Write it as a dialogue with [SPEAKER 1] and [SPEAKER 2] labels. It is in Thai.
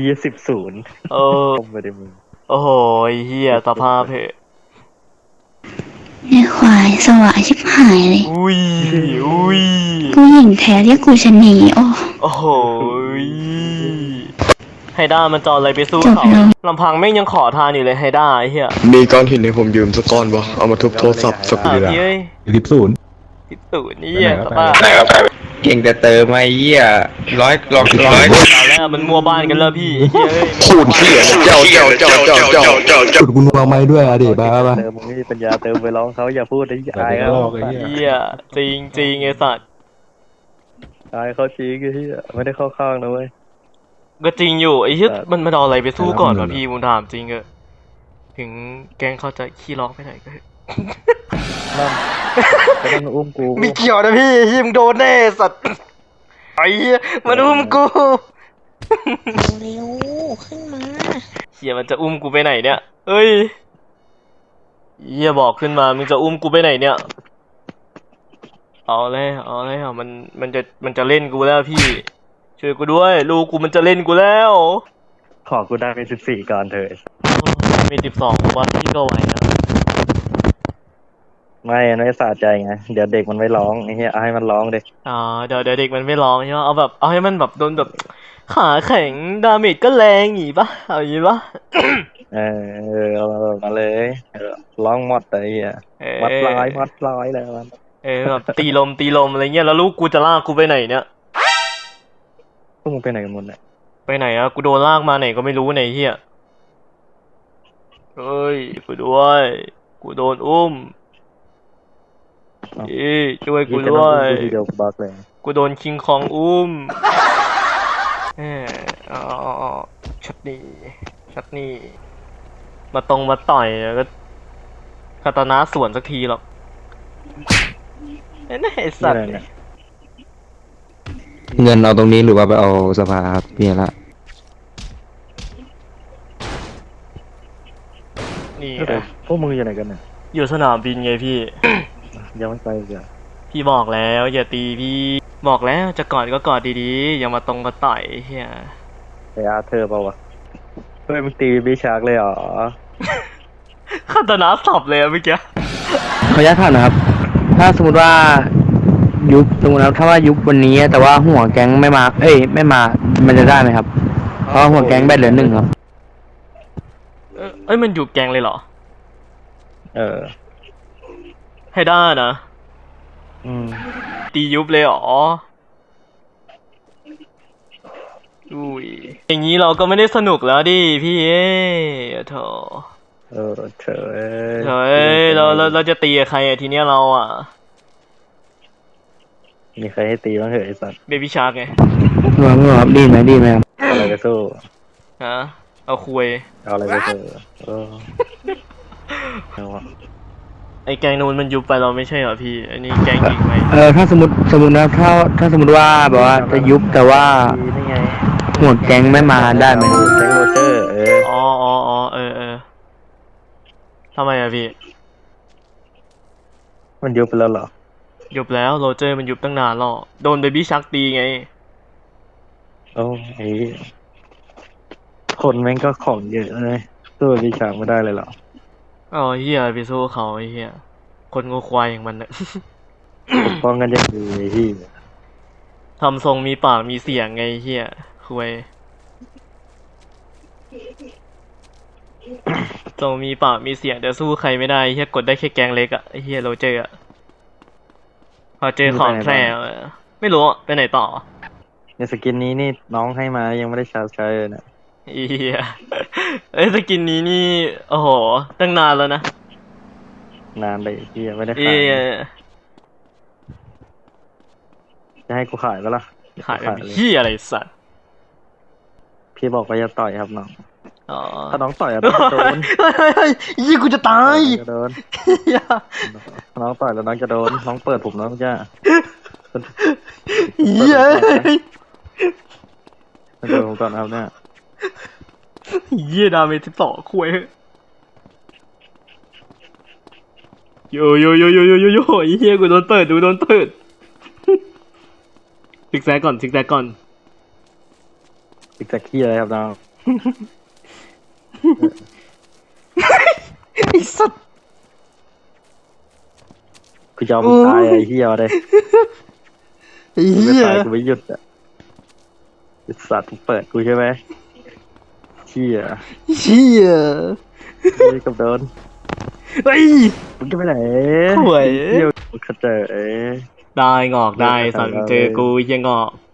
[SPEAKER 1] 10-0
[SPEAKER 2] เออ
[SPEAKER 1] ไม่ได้มึง
[SPEAKER 2] โอ้โหเฮียสภาพเหอะ
[SPEAKER 3] ไอ้ควายสวะชิบหายเลย
[SPEAKER 2] อุ้ยอุ้ย
[SPEAKER 3] ผู้หญิงแท้เรียกกูชะนีโอ้
[SPEAKER 2] โอ้โหไฮด้ามันจออะไรไปสู้
[SPEAKER 3] จบ
[SPEAKER 2] เขา
[SPEAKER 3] แล้ว
[SPEAKER 2] ลำพังแม่งยังขอทานอยู่เลยไฮด้าไอ้เหี้ย
[SPEAKER 4] มีก้อนหินให้ผมยืมสักก้อนวะเอามาทุบโทรศัพท์สักทีละ
[SPEAKER 2] พี่เอ้ย
[SPEAKER 5] 10-0
[SPEAKER 2] 10นี่สภาพ
[SPEAKER 6] เก่งแต่เติมไอ้เหี้ยร้อย
[SPEAKER 2] ตอนแรกมันมัวบ้านกันแล้วพี่เฮ้ย
[SPEAKER 4] พูดเที่ยเจ้า
[SPEAKER 5] จุดกูนัวไม้ด้วยอะดิบ้าป่ะ
[SPEAKER 1] เติมมึงไม่มีปัญญาเติมไปร้องเขาอย่าพูดไอ้อายเขา
[SPEAKER 2] เฮียจริงจริงไอ้สัตว์
[SPEAKER 1] อายเขาจริงไอ้ที่ไม่ได้เข้าข้างนะเว้ย
[SPEAKER 2] ก็จริงอยู่ไอ้เหี้ยมันเอาอะไรไปสู้ก่อนวะพี่มึงถามจริงเออถึงแกงเขาจะขี้ร้องไปไหนก็
[SPEAKER 1] นั่นไม่ต้องอุ้มกู
[SPEAKER 2] มีเกี่ยวนะพี่ฮิมโดนแน่สัตว์ไอ้เหี้ยมันอุ้มกู
[SPEAKER 7] เร็วขึ้นมา
[SPEAKER 2] เฮียมันจะอุ้มกูไปไหนเนี่ยเอ้ยเฮียบอกขึ้นมามึงจะอุ้มกูไปไหนเนี่ยเอาเลยมันจะเล่นกูแล้วพี่ช่วยกูด้วยลูกกูมันจะเล่นกูแล้ว
[SPEAKER 1] ขอกูได้เป็น14ก่อนเถอะ
[SPEAKER 2] มี12ผมว่าพี่ก็ไหวนะ
[SPEAKER 1] ไม่สะใจไงเดี๋ยวเด็กมันไม่ร้องไอ้เหี้ยเอาให้มันร้องเด็ก
[SPEAKER 2] เดี๋ยวเด็กมันไม่ร้องใช่ไหมเอาให้มันแบบโดนแบบขาแข็งดาเมจก็แรงอย่างงี้ปะเอาอย่างงี้ปะ
[SPEAKER 1] เอามาเลยร้องมอดไอ้เหี้ยมอดร้อยแล้วมัน
[SPEAKER 2] แบบตีลมอะไรเงี้ยแล้วลูกกูจะลากกูไปไหนเนี่ย
[SPEAKER 1] พวกมึงไปไหนกันหมดเนี่ย
[SPEAKER 2] ไปไหนอะกูโดนลากมาไหนก็ไม่รู้ไหนเฮียเฮ้ยกูด้วยกูโดนอุ้มช่วยกูด้วยกูโดนคิงคองอุ้มชัดนี่มาตรงมาต่อยก็คาตานะสวนสักทีหรอกไอ้สัตว์
[SPEAKER 6] เงินเอาตรงนี้หรือว่าไปเอาสภาครับพี่ละ
[SPEAKER 2] นี่
[SPEAKER 1] พวกมึงอยู่ไหนกันเนี่ย
[SPEAKER 2] อยู่สนามบินไงพี่
[SPEAKER 1] ยังไม่ไปเลย
[SPEAKER 2] พี่บอกแล้วอย่าตีพี่บอกแล้วจะกอดก็กอดดีๆอย่ามาตรงมาต่อยเฮีย
[SPEAKER 1] ไปอาเธอเปล่าวะเฮ้ยมึงตีบิชาร์กเลยเหรอ
[SPEAKER 2] คาตานะสับเลยเมื่อกี้
[SPEAKER 6] ขออนุญาตถามนะครับถ้าสมมติว่าสมมติถ้าว่ายุบวันนี้แต่ว่าหัวแก๊งไม่มาไม่มามันจะได้ไหมครับเพราะหัวแก๊งแบตเหลือ1ครับ
[SPEAKER 2] มันอยู่แก๊งเลยเหรอให้ได้นะตียุบเลยเหรออุ้ยอย่างนี้เราก็ไม่ได้สนุกแล้วดิพี่โถ
[SPEAKER 1] เฉ
[SPEAKER 2] ยเราจะตีกับใครทีเนี้ยเราอ่ะ
[SPEAKER 1] มีใครให้ตีบ้างเหรอไอ้สัตว์
[SPEAKER 2] เบบี้ชาร์กไง
[SPEAKER 6] ครับดีไหมครับ
[SPEAKER 1] อะไรไปสู้
[SPEAKER 2] ฮะเอาคุย
[SPEAKER 1] เอาอะไรไปสู้
[SPEAKER 2] ไอ้แกงนู้นมันยุบไปเราไม่ใช่เหรอพี่อันนี้แกงจริงไหม
[SPEAKER 6] ถ้าสมมตินะถ้าสมมติว่าแบบว่าจะยุบแต่ว่าหัวแก๊งไม่มาได้ไหม
[SPEAKER 1] แก๊งโรเจอร์
[SPEAKER 2] อ๋อทำไมอะพี่
[SPEAKER 1] มันยุบไปแล้วเหรอ
[SPEAKER 2] ยุบแล้วโรเจอร์มันยุบตั้งนานแล้วโดนเบบี้ชักตีไง
[SPEAKER 1] โอ้ยคนแม่งก็ของเยอะเลยสู้เบบี้ชักไม่ได้เลยเหรอ
[SPEAKER 2] เฮียไปสู้เขาไอ้เฮียคนงูควายอย่างมันเนี่ย
[SPEAKER 1] ป้องกันยังดีที่
[SPEAKER 2] ทำทรงมีปากมีเสียงไงเฮียคุยทรงมีปากมีเสียงแต่สู้ใครไม่ได้เฮียกดได้แค่แกงเล็กอะเฮียโรเจอร์อะพอเจอของแท้ไม่รู้ไปไหนต่อ
[SPEAKER 1] ในสกินนี้นี่น้องให้มายังไม่ได้ใช้เลยนะ
[SPEAKER 2] เฮียสกินนี้นี่โอ้โหตั้งนานแล้วนะ
[SPEAKER 1] นานเลยที่ยังไม่ได้ขายจะให้กูขายปะล่ะ
[SPEAKER 2] ขายพี่อะไรสัตว์
[SPEAKER 1] พี่บอกว่าจะต่อยครับน้องถ้าน้องต่อยต้องโดน
[SPEAKER 2] ยี่กูจะตาย
[SPEAKER 1] จะโดนน้องต่อยแล้วน้องจะโดนน้องเปิดผมน้องจะโดนผมก่อนครับเนี่ย
[SPEAKER 2] ดาเมจ12คุยโยเฮียกูโดนเปิดซิกแซกก่อน
[SPEAKER 1] ซิกแซกขี้อะไรครับน้อง
[SPEAKER 2] ไอ้สัตว์
[SPEAKER 1] กูยอมตายไอ้เหี้ยเลย
[SPEAKER 2] ไอ้
[SPEAKER 1] ไม่
[SPEAKER 2] เหี้ย
[SPEAKER 1] ตายกูไม่หยุดอ่ะไอ้สัตว์มึงเปิดกูใช่ไหมเหี้ย
[SPEAKER 2] เหี้ย
[SPEAKER 1] นี่กับโดน
[SPEAKER 2] เฮ้ย
[SPEAKER 1] มึงจะไปไหน
[SPEAKER 2] ห่วย
[SPEAKER 1] เหี้ยมึงเข้าใจ
[SPEAKER 2] ได้งอกได้สั่งเจอกูเหี้ยงอก